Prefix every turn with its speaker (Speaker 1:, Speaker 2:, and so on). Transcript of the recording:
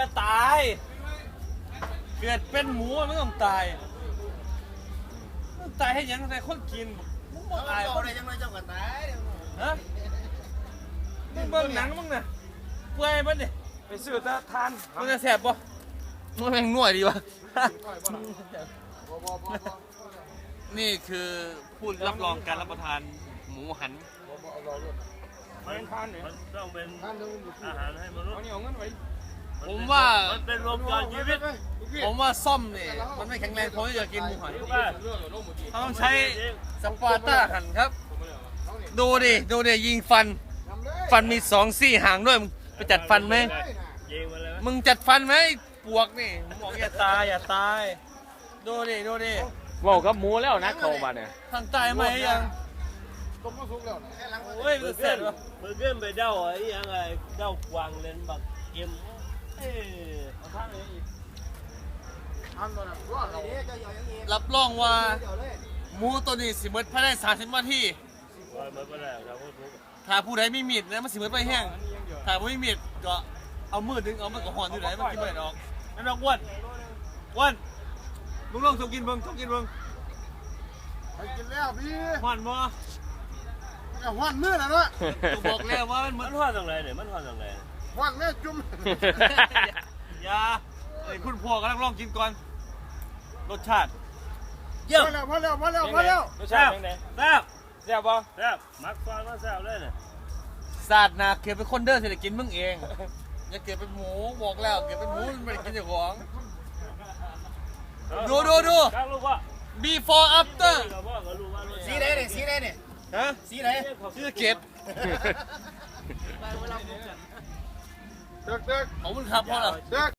Speaker 1: จะตายเกิดเป็นหมูไม่ต้องตายตายให้ยังแต่คนกินมึงบอกตายคนไหนยังไม่เจ้าก็ตายฮะมึงเบิ่งหนังมึงน่ะเปื่อยมันดิไปซื้อตาทานมันจะแสบปะมันแม่งน่วยดีวะนี่คือพูดรับรองการรับประทานหมูหัน
Speaker 2: มันต้องเป็นอาหารให้มนุษย์
Speaker 1: ผมว่า
Speaker 2: มันเป็นรวมการชีวิต
Speaker 1: ผมว่าซ่อมเนี่ยมันไม่แข็งแรงพอที่จะกินหมูหันเขาต้องใช้สปาร์ต้าหันครับดูดิยิงฟันมี2 ซี่ห่างด้วยไปจัดฟันไหมมึงจัดฟันไหมปวกนี่บอกอย่าตายดูดิ
Speaker 3: บอกกับหมูแล้วนะเขามาเนี่ย
Speaker 1: ทางตายไหมยังโอ้ยมันเสร็จวะ
Speaker 2: มือเกินไปเด้าไอ้ยังไงเด้ากวางเลนบักเกม
Speaker 1: รับรองว่าหมูตัวนี้สิเบิดภายใน30 นาทีถ้าผู้ใดมีมีดนะมันสิเบิดไปแห้งถ้าไม่มีมีดก็เอามือดึงเอามันก็ห่อนอยู่ไหนมันกินไม่ได้ออกนั่นดอกอ้วนมึงลองกินเบิ่งไปกินแล้วพี่ห่อนบ่
Speaker 4: ห่อนมือแล้วเนาะ
Speaker 1: บอกแล้วว่า
Speaker 2: มันห่อนตรงไหนเนี่ยมันห่อนตรงไหน
Speaker 4: ห่อนแม่จุ่ม
Speaker 1: อย่าไอ้คุณพ่อกำลังลองกินก่อนรสชาติ
Speaker 4: เยอะพอแล้ว
Speaker 2: รสชาติเป็นไงแซ่บป่ะแซ่บมักฟอนมาแซ่บเลยเนี่ย
Speaker 1: ศาสตร์นาเกิดเป็นคนเดินเศรษฐกิจมึงเองอย่าเกิดเป็นหมูบอกแล้วเกิดเป็นหมูมันไม่ได้กินอย่างของดูbefore after
Speaker 4: สีไหนเนี่ย
Speaker 1: ฮะ
Speaker 4: สีไหน
Speaker 1: สีเก็บ
Speaker 4: เด็ก
Speaker 1: ขอบคุณครับพ่อเหรอ